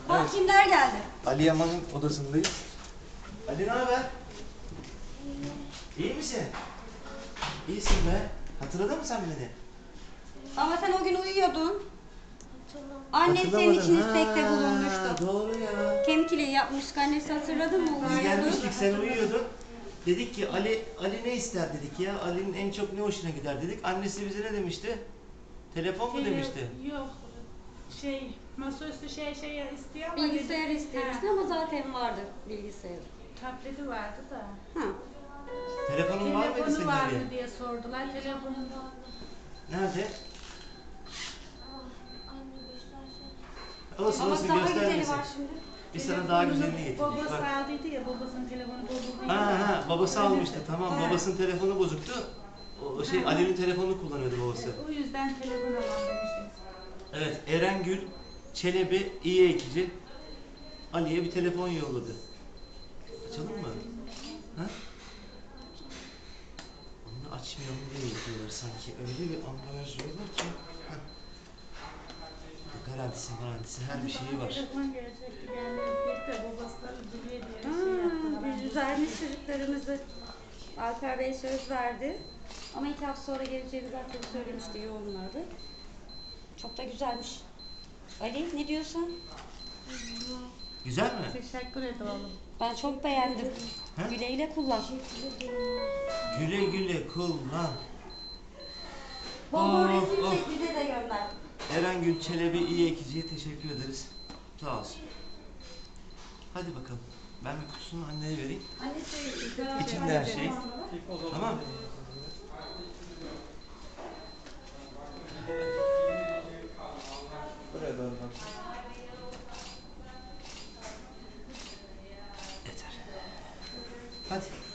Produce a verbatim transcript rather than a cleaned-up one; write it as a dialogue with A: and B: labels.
A: Bak
B: Evet.
A: kimler geldi.
B: Ali Yaman'ın odasındayız. Ali ne haber? İyi misin? İyisin be. Hatırladın mı sen beni?
A: Ama sen o gün uyuyordun. Annen senin
B: Hatırlamadın.
A: için
B: Ha,
A: istekte bulunmuştu.
B: Doğru ya.
A: Kemik iliği yapmıştık, annesi hatırladın mı?
B: Biz
A: Uyuyordu.
B: gelmiştik, sen uyuyordun. Dedik ki Ali Ali ne ister dedik ya. Ali'nin en çok ne hoşuna gider dedik. Annesi bize ne demişti? Telefon mu
C: Tele-
B: demişti?
C: Yok. Şey, masaüstü şey şey istiyor ama
A: Bilgisayar
C: dedi-
A: istemişti
C: Ha,
A: ama zaten vardı bilgisayar.
C: tableti vardı da.
A: Ha.
B: Telefonun var mıydı
C: Telefonu
B: senin
C: var
B: Ali?
C: mı diye sordular. Telefonun
B: Nerede? Olsun
A: Ama
B: olsun
A: daha güzeli
B: göstermesin.
A: var şimdi.
B: Biz sana daha güzelini getirdik.
C: babası
B: Bak.
C: aldıydı ya, babasının telefonu bozuldu.
B: Ha ha babası almıştı tamam,
A: Ha.
B: babasının telefonu bozuktu. O şey Ali'nin telefonunu kullanıyordu babası.
C: O yüzden telefon alalım demişiz.
B: Evet, Erengül Çelebi iyi ekici Ali'ye bir telefon yolladı. Açalım mı? Ha? Onu açmayalım diye yapıyorlar sanki. Öyle bir ambalaj diyorlar ki. Ha. Garantisi garantisi her bir şeyi var.
C: Telefon gelecekti, gelmeyecek de babasları duruyor diye şey
A: Ha,
C: yaptılar.
A: biz vermiş çocuklarımızı. Alper Bey söz verdi. Ama iki hafta sonra geleceğini zaten söylemişti yoğunlardı. Çok da güzelmiş. Ali ne diyorsun?
B: Güzel mi?
C: Teşekkür ederim.
A: Ben çok beğendim.
B: Ha?
A: Güle güle kullan.
B: Güle güle kullan.
A: Bol bol
B: Of,
A: resim
B: of.
A: çek bize de gönder.
B: Erengül Çelebi iyi ekiciye teşekkür ederiz. Sağ olsun. Hadi bakalım. Ben bir kutusunu anneye vereyim.
A: Annesi
B: İçinde her şey. Tamam.
D: Buraya doğru bak.
B: Yeter. Hadi.